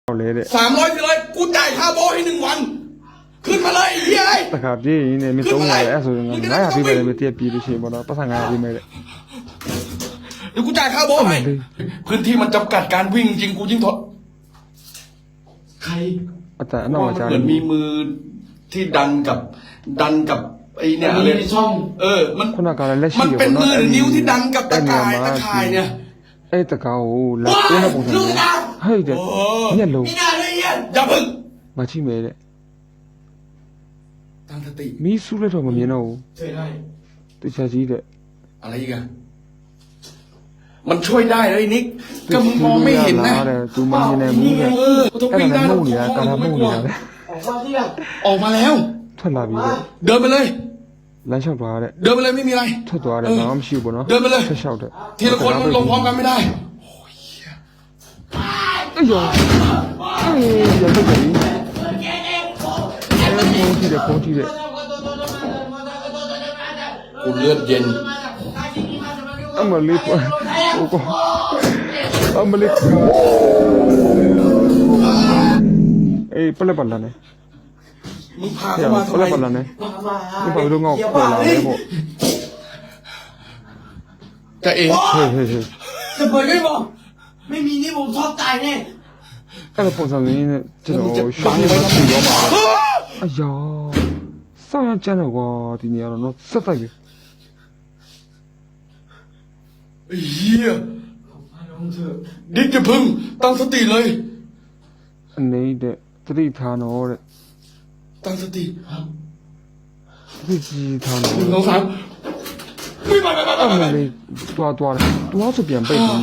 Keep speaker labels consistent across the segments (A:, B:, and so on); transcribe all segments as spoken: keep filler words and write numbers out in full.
A: สามร้อยไปเลยกูจ่ายค่าโบให้หนึ่งวันขึ้นมาเลยเฮ้ย
B: ตะขาบพี่เนี่ยมีตรงไหนแอสโซนงั้นน่าพี่ไปเลยไปเตี้ยปีดูชิบนะภาษางานพี่ไม่เลย
A: เดี๋ยวกูจ่ายค่าโบให้พื้นที่มันจำกัดการวิ่งจริงกูยิ่งทดใคร
B: แต่นอกจาก
A: เหมือนมีมือที่ดันกับดันกับไอเนี่ยอะไรช่องเออมันมันเป็นมือหรือนิ้วที่ดันกับตะข่ายตะข่ายเนี่ย
B: ไอ้ตะเขาแล้วตัวนั้นผมทำเฮ้ยเด็กเนี่ยลูก
A: อย่าพึ่ง
B: มาชิมเลย
A: ตั้งสติ
B: มีสู้เลยทำไมเนี่ยน้อง
A: ช่วยได้
B: ตัวชาจีเด็ก
A: อะไรอีกอะมันช่วยได้เลยนิกก็มึงมองไม่เห็นนะ
B: ตูมันยังไงมึงเนี่ยแค่นั้นมุ่งเนี่ยการทำมุ่งเนี่ย
A: ออกมาที่ละออกมาแล้ว
B: ထွက်လာပြီတဲ့
A: เดินไปเลย
B: လမ်းလျှောက်သွားတဲ့
A: เดินไปเลยไม่มีอะไร
B: ထွက်သွားတယ်ဘာမှမရှိဘူးပေါ့နော်
A: เดินไปเลย
B: ဆက်လျှောက်တဲ့
A: ทีละคนลงพร้อมกันไม่ได้โอ้ย
B: အေးရောအေးရတော့ပြီအဲဖုန်းကြည့်တယ်ဖုန်းကြည့်တယ်
A: กูเลือดเย็น
B: အမလေးဟိုကအမလေးအေးပလက်ပလာနေ
A: มึงพาเข้ามาทำไม
B: ปลาเนี่ยมึงพาไปดูเงาปลาเนี่ยพวก
A: จะเอ๋
B: เฮ้ยเฮ้ยเฮ้ย
C: จะเปิดไม่บอกไม่มีนี่ผมชอบตายแน่
B: အဲ့ဒါပုံစံလေးနဲ့ကျွန်တော်ရှောင်းနေမှပြီးတော့မှာအယားစောင်းရကျန်းတော့ကွာဒီနေရာတော့နော်ဆက်တိုက်ပြီ
A: เฮียดิจะพึ่งตั้งสติเลย
B: နေတဲ့သတိထားတော့တဲ့
A: ตั้งสติ
B: သိကြည့်ထားတော့
A: หนึ่งสองสามไม่ไปไปไป
B: အဲ့မလေးတွားတွားတွားဆိုပြန်ပိတ်ပြီ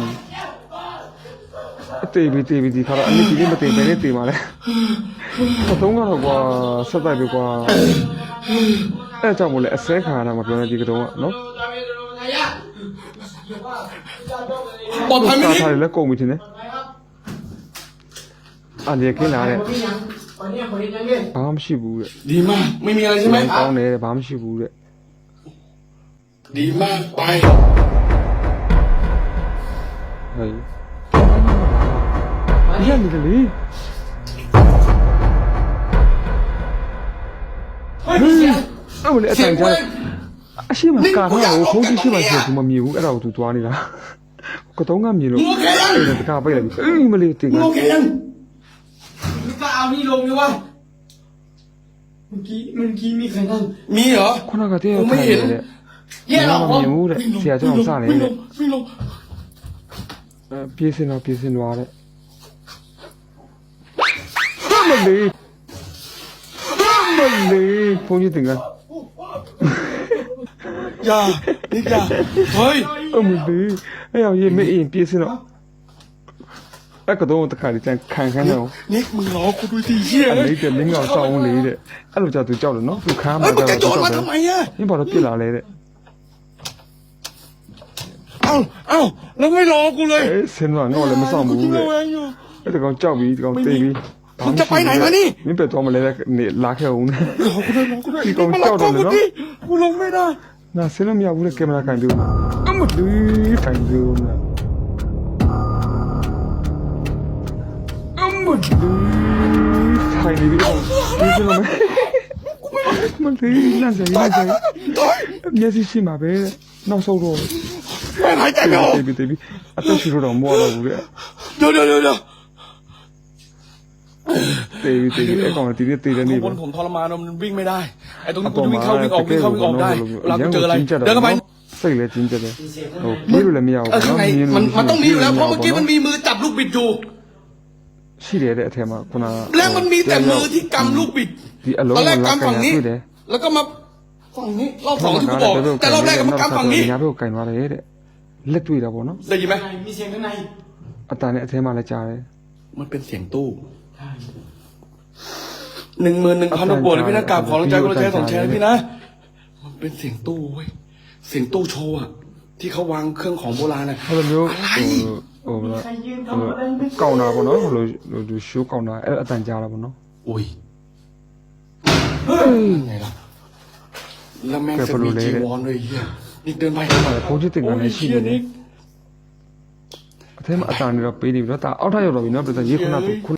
B: အသေးပြီသေးပြီဒီခါတော့အနည်းကြီးမသေးဘဲနဲ့တေးပါလေအသုံးကတော့ကွာဆက်တိုက်ပြီကွာအဲ့ကြောင့်မို့လဲအစဲခါရတာမပြောနေဒီကတော့နော်
A: ปลอดภัยไหม
B: นี่ထားတယ်လဲကုန်ပြီထင်တယ်အလေခင်းလာတဲ့ဘာမှမရှိဘူးတဲ့
A: ดีมากไม่มีอะไรใช่ไหม
B: ကောင်းတယ်ဘာမှမရှိဘူးတဲ့
A: ดีมากไป
B: ဟေးရနေတယ်လေ
A: เฮ้ย
B: အဲ့မလေးအတိုင်ကြအရှိမကာထားကိုဖုန်းကြည့်ရှိမှရှိဘူးမမြင်ဘူးအဲ့ဒါကိုသူသွားနေတာကတော့ငါမြင်လို့အဲ့ဒါတကားပိတ်လိုက်ပြီအေးမလေးတင်က
A: โอเคยัง
C: มึงก็เอานี่ลงอยู่วะเมื่อกี้เมื่อกี้มีใครนั่ง
A: มีเหรอ
B: ခုနကတည်းကထိုင်နေတယ်
A: แย่หรอ
B: မမြင်ဘူးတဲ့ဆရာကျောင်းစနေတယ်
A: ไม่ลง
B: အဲပြေးစင်တော့ပြေးစင်သွားတဲ့မလေးမလေးဖုန်းကြည့်တင်က
A: อย่านี่อย่าเฮ้ย
B: အမလေးအဲ့ရောရေးမအင်းပြေးစင်တော့အဲ့ကတော့တခါလေးကျန်ခံခန်းတော့
A: นิกมึงรอกูด้วยดิเหี้ย
B: အဲ့လေးတဲ့မင်းကောင်စောင်းလေးတဲ့အဲ့လိုကြောက်သူကြောက်တယ်နော်သူခါမှာ
A: ကြောက်တယ်ကြောက်တယ်ทำไมอ่ะ
B: မင်းဘာလို့ပြစ်လာလဲတဲ့
A: เอ้าเอ้าแล้วไม่รอกูเลย
B: เอ้ยဆင်းတော့ငေါ့လည်းမဆောင်ဘူးတဲ့အဲ့ဒါကောင်ကြောက်ပြီးဒီကောင်တေးပြီး
A: มึงจะไปไหนมานี่
B: မင်းပဲတော့မလဲနေလာခဲ့အောင်
A: รอกูด้วยรอกูด้วยဒီကောင်ကြောက်တယ်နော်กูลงไม่ได้
B: နာဆင်းလို့မရဘူးတဲ့ကင်မရာကန်ပြီးအမလေးထိုင်ပြီးနော်အမလေးထိုင်နေပြီးတော့ဒီစလုံးမလေးလမ်းဆိုင်လမ်းဆိုင်မျက်စိရှိမှာပဲနောက်ဆုံးတော့
A: ไม่หายใจไม่ออก
B: တေးပြီးတေးပြီးအသက်ရှူတော့မောတော့ဘူးတဲ့
A: เดี๋ยวเดี๋ยวเดี๋ยว
B: တေးပြီးတေးပြီးအဲ့ကောင်ဒီနေ့တေးတယ်နေ
A: บนผมทรมานมันวิ่งไม่ได้ไอ้ตรงนี้กูวิ่งเข้าวิ่งออกวิ่งเข้าวิ่งออกได้เวลากูเจออะไรเดินเข้าไป
B: စိတ်လည်းကျဉ်းကျက်တယ်ဟိုပြေးလို့လည်းမရဘူး
A: ข้างในมันมันต้องมีอยู่แล้วเพราะเมื่อกี้มันมีมือจับลูกบิดอยู่
B: ရှိတယ်တဲ့အထက်မှာခုန
A: แล้วมันมีแต่มือที่กำลูกบิด
B: ဒီအလုံး
A: က
B: က
A: ำฝั่งนี้แล้วก็มาฝั่งนี้รอบสองที่กูบอกแต่รอบแรกก็มากำฝั่งนี้
B: ညာဘက်ကင်သွားတယ်တဲ့လက်တွေ့တာပေါ့နော်
A: ได้ยินไหม
C: มีเสียงข้างใน
B: အတန်နဲ့အထဲမှာလည်းကြားတယ်
A: มันเป็นเสียงตู้หนึ่งหมื่นหนึ่งพันบวกเลยพี่นะกราบขอรังใจคนละแชร์สองแชร์พี่นะมันเป็นเสียงตู้เว้ยเสียงตู้โชว์อะที่เขาวางเครื่องของโบราณอะ
B: ဟိုလိုမျိုးဟိုဟိုကောင်တာပေါ့နော်ဟိုလိုဟိုရှိုးကောင်တာအဲ့အတန်ကြားတာပေါ့နော်
A: อุ้ยไงล่ะแล้วแม่งจะมีจีวรเลยเฮียนี่เดินไป
B: ဘုန်းကြီးတင်ကနေရှိတယ်အထဲမှာအတန်တွေတော့ပေးနေပြီတော့ဒါအောက်ထပ်ရောက်တော့ပြီနော်ပြဿနာရေခုနက